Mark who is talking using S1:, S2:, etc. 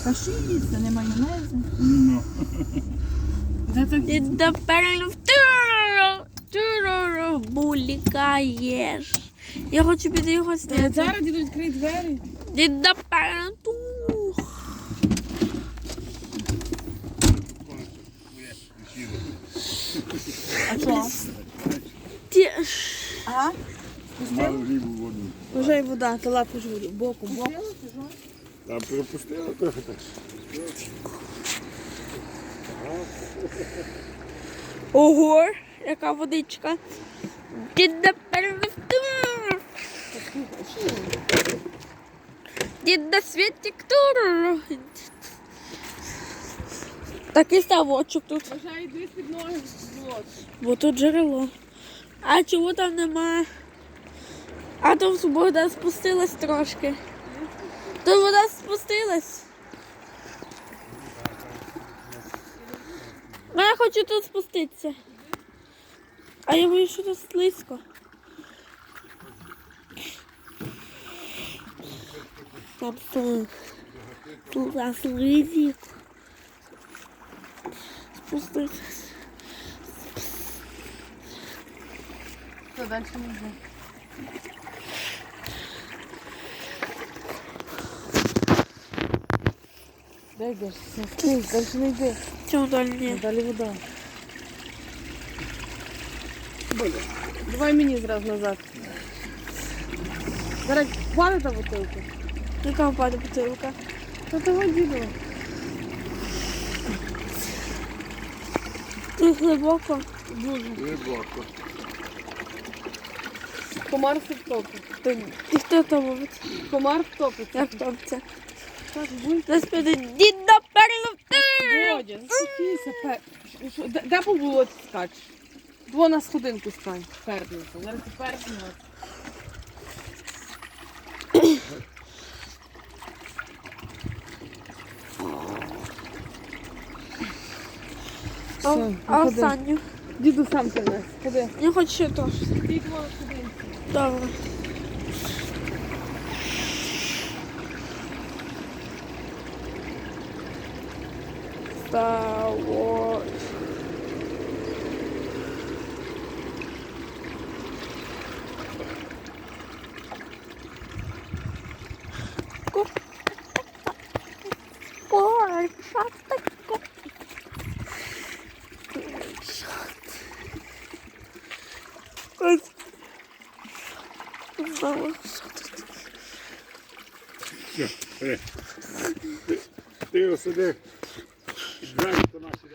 S1: Та що їсти, не майонезу?
S2: Ну.
S3: Ти напевно булікаєш. Я хочу піти його зняти.
S1: Зараз діду відкрий двері.
S3: Ти напевно
S1: А що? Ага.
S2: Мало рибу в воду.
S3: Вже й вода, то лапу ж воду, боком.
S2: Та пропустила трохи так.
S3: Ого, яка водичка. Ти напевно Дід на світі ктур. Такий ставочок тут.
S1: Бажаю, йди під ноги.
S3: Бо тут джерело. А чого там нема? А то вода спустилась трошки. То вода спустилась. Ну, я хочу тут спуститися. А я боюсь, що тут слизько. Там тут слизько. Спуститися.
S1: Що, далі не йде? Де йдеш? Далі не йди.
S3: Чому далі ні?
S1: Далі вода. Давай мені зразу назад. Зараз хвали та бутилку.
S3: Яка впаде бутилка?
S1: Та того діду.
S3: Тут глибоко.
S1: Дуже.
S2: Глибоко.
S1: Комар все втопить.
S3: І хто то ловить?
S1: Комар втопить.
S3: Як топиться?
S1: Так, будь.
S3: Нас піде дід наперед.
S1: Бодя, заспокійся. Де по болоті скачеш? Дво на сходинку стань. Перднися. Зараз ти перднися. Все,
S3: А
S1: ходи.
S3: останню?
S1: Діду сам принес. Ходи.
S3: Я хочу ще трошки.
S1: Стій дво на сходинку.
S3: Добре. Ставо. Ой, що таке? Ось. Знову.
S2: Все, бери. Ти його сюди. Двері до нас сюди.